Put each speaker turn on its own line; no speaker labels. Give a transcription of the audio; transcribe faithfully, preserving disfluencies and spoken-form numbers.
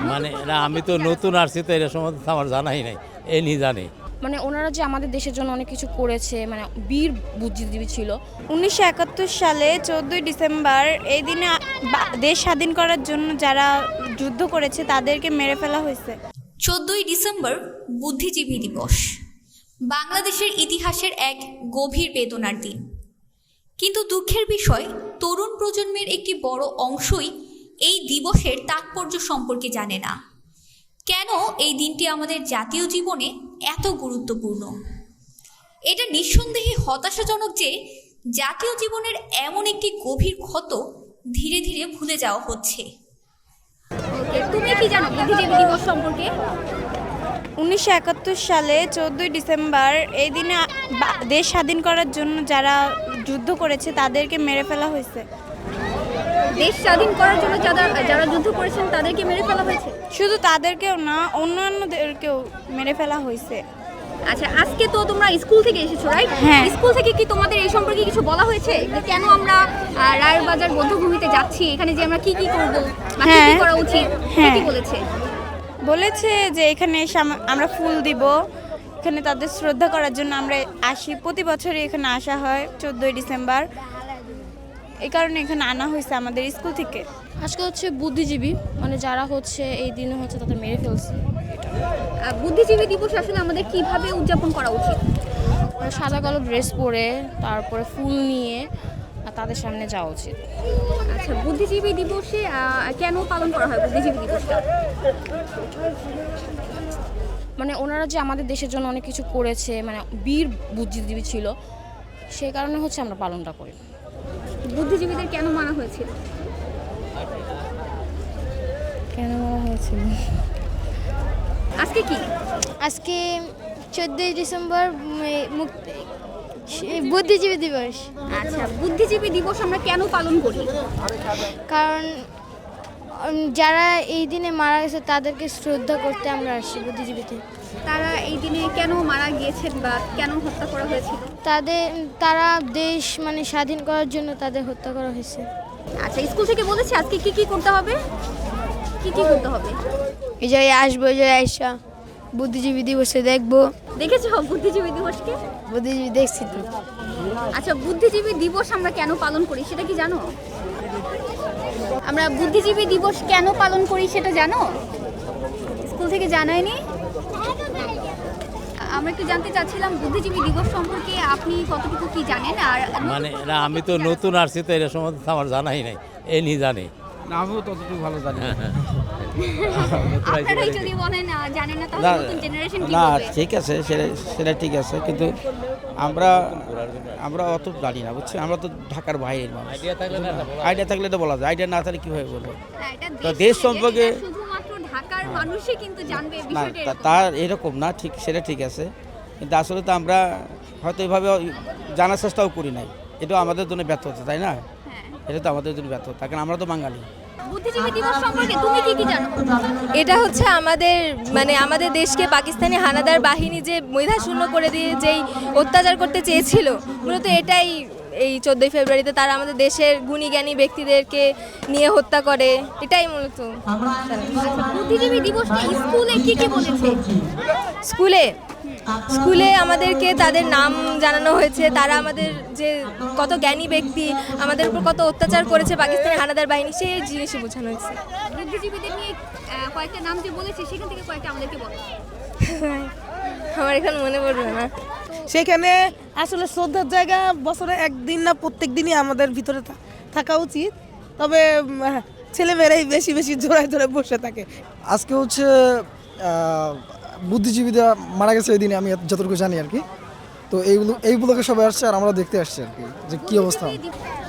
মানে না, আমি তো নতুন আসছি, তো এটা সম্বন্ধে আমার জানাই নাই, এ নিয়ে জানি।
মানে ওনারা যে আমাদের দেশের জন্য অনেক কিছু করেছে, মানে বীর বুদ্ধিজীবী ছিল।
উনিশশো একাত্তর সালে চোদ্দোই ডিসেম্বর এই দিনে বা- দেশ স্বাধীন করার জন্য যারা যুদ্ধ করেছে তাদেরকে মেরে ফেলা হয়েছে।
চোদ্দই ডিসেম্বর বুদ্ধিজীবী দিবস বাংলাদেশের ইতিহাসের এক গভীর বেদনার দিন। কিন্তু দুঃখের বিষয়, তরুণ প্রজন্মের একটি বড় অংশই এই দিবসের তাৎপর্য সম্পর্কে জানে না। কেন এই দিনটি আমাদের জাতীয় জীবনে এত গুরুত্বপূর্ণ? এটা নিঃসন্দেহে হতাশাজনক যে জাতীয় জীবনের এমন একটি গভীর ক্ষত ধীরে ধীরে ভুলে যাওয়া হচ্ছে।
তুমি কি জানো বুদ্ধিজীবী দিবস সম্পর্কে?
উনিশশো একাত্তর সালে চোদ্দোই ডিসেম্বর এই দিনে বা- দেশ স্বাধীন করার জন্য যারা যুদ্ধ করেছে তাদেরকে মেরে ফেলা হয়েছে।
দেশ স্বাধীন করার জন্য যারা যারা যুদ্ধ করেছেন তাদেরকে মেরে ফেলা হয়েছে।
শুধু তাদেরকেও না, অন্যান্যদেরকেও মেরে ফেলা হয়েছে।
আচ্ছা, আজকে তো তোমরা স্কুল থেকে এসেছো, রাইট?
হ্যাঁ।
স্কুল থেকে কি তোমাদের এই সম্পর্কে কিছু বলা হয়েছে যে কেন আমরা আহ, রায়ের বাজার বধ্যভূমিতে যাচ্ছি, এখানে যে আমরা কি কি করব বা কি কি
হ্যাঁ।
করা উচিত, কি
হ্যাঁ।
কি বলেছে?
বলেছে যে এখানে এসে আম- আমরা ফুল দিব, এখানে তাদের শ্রদ্ধা করার জন্য আমরা আসি। প্রতি বছরই এখানে আসা হয় চোদ্দোই ডিসেম্বর, এই কারণে এখানে আনা হয়েছে আমাদের স্কুল থেকে।
আজকে হচ্ছে বুদ্ধিজীবী, মানে যারা হচ্ছে এই দিনে হচ্ছে তাদের মেরে ফেলছে।
আহ, বুদ্ধিজীবী দিবস আসলে আমাদের কিভাবে উদযাপন করা উচিত?
মানে সাদা কালো ড্রেস পরে, তারপরে ফুল নিয়ে আর তাদের সামনে যাওয়া উচিত।
আচ্ছা, বুদ্ধিজীবী দিবসে আহ, কেন পালন করা হয় বুদ্ধিজীবী দিবসটা?
মানে ওনারা যে আমাদের দেশের জন্য অনেক কিছু করেছে, মানে বীর বুদ্ধিজীবী ছিল, সেই কারণে হচ্ছে আমরা পালনটা করি।
বুদ্ধিজীবীদের কেন মানা হয়েছিল?
কেন বলা হয়েছিল?
আজকে কি?
আজকে চোদ্দোই ডিসেম্বর উম, মুক্তি বুদ্ধিজীবী দিবস।
আচ্ছা, বুদ্ধিজীবী দিবস আমরা কেন পালন করি?
কারণ উম, যারা এই দিনে মারা গেছে তাদেরকে শ্রদ্ধা করতে আমরা আসি বুদ্ধিজীবীতে।
তারা এই দিনে কেন মারা গিয়েছেন বা কেন হত্যা করা হয়েছিল?
তাদের তারা দেশ মানে স্বাধীন করার জন্য তাদের হত্যা করা হয়েছে।
আচ্ছা, স্কুল থেকে বলেছে আজকে কি কি করতে হবে? কি কি করতে হবে?
এই জায়গায় আসবো, এই জায়গায় আসা বুদ্ধিজীবী দিবসে দেখবো।
দেখেছো বুদ্ধিজীবী দিবসকে?
বুদ্ধিজীবী দেখছি তো।
আচ্ছা, বুদ্ধিজীবী দিবস আমরা কেন পালন করি সেটা কি জানো? আমরা বুদ্ধিজীবী দিবস কেন পালন করি সেটা জানো? স্কুল থেকে জানায়নি? আমরা একটু জানতে চাচ্ছিলাম বুদ্ধিজীবী দিবস সম্পর্কে আপনি কতটুকু কি জানেন? আর
মানে না, আমি তো নতুন আসছি, তো এটা সম্বন্ধে আমার জানাই নাই, এ নিয়ে জানি।
না, আমিও ততটুকু ভালো জানি না।
আপনারাই যদি বলেন আহ, জানেন না, তাহলে
না,
নতুন জেনারেশন কি
না
বলবে?
ঠিক আছে, সেটা সেটা ঠিক আছে, কিন্তু আমরা আমরা অত জানি না, বুঝছি। আমরা তো ঢাকার বাইরের মানুষ।
আইডিয়া থাকলে না, এটা বলা
আইডিয়া থাকলে তো বলা যায়, আইডিয়া না থাকলে কীভাবে বলবো?
না, এটা
তো
দেশ
দেশ
থেকে,
সম্পর্কে-
এটা শুধুমাত্র ঢাকার মানুষই কিন্তু জানবে
না,
বিষয়টা
তা-
এরকম।
তার এরকম না, ঠিক সেটা ঠিক আছে, কিন্তু আসলে তো আমরা হয়তো এভাবে জানার চেষ্টাও করি নাই। এটা আমাদের জন্য ব্যর্থতা, তাই না?
হ্যাঁ।
এটা তো আমাদের জন্য ব্যর্থতা, কারণ আমরা তো বাঙালি।
বুদ্ধিজীবী দিবস সম্পর্কে তুমি কি কি জানো?
এটা হচ্ছে আমাদের মানে আমাদের দেশকে পাকিস্তানি হানাদার বাহিনী যে মেধাশূন্য করে দিয়ে যেই অত্যাচার করতে চেয়েছিল, মূলত এটাই এই চোদ্দোই ফেব্রুয়ারিতে তারা আমাদের দেশের গুণী জ্ঞানী ব্যক্তিদেরকে নিয়ে হত্যা করে, এটাই মূলত।
বুদ্ধিজীবী দিবসে স্কুলে কি কি বলেছে?
স্কুলে স্কুলে আমাদেরকে তাদের নাম জানানো হয়েছে, তারা আমাদের যে কত জ্ঞানী ব্যক্তি, আমাদের উপর কত অত্যাচার করেছে পাকিস্তানি হানাদার বাহিনী, সেই জিনিসই বোঝানো হয়েছে।
বুদ্ধিজীবীদের নিয়ে আহ, কয়েকটা নাম যে বলেছে সেখান থেকে কয়েকটা আমাদেরকে বলো।
আমার এখন মনে পড়বে না।
সেখানে আসলে শ্রদ্ধার জায়গা বছরে একদিন না প্রত্যেক দিনই আমাদের ভিতরে থা- থাকা উচিত, তবে উম, ছেলেমেয়েরাই বেশি বেশি জোড়ায় ধরে বসে থাকে।
আজকে হচ্ছে আহ, বুদ্ধিজীবীরা মারা গেছে এই দিনে, আমি যতটুকু জানি আর কি। তো এইগুলো এইগুলোকে সবাই আসছে আর আমরা দেখতে আসছি আর কি যে কী অবস্থা।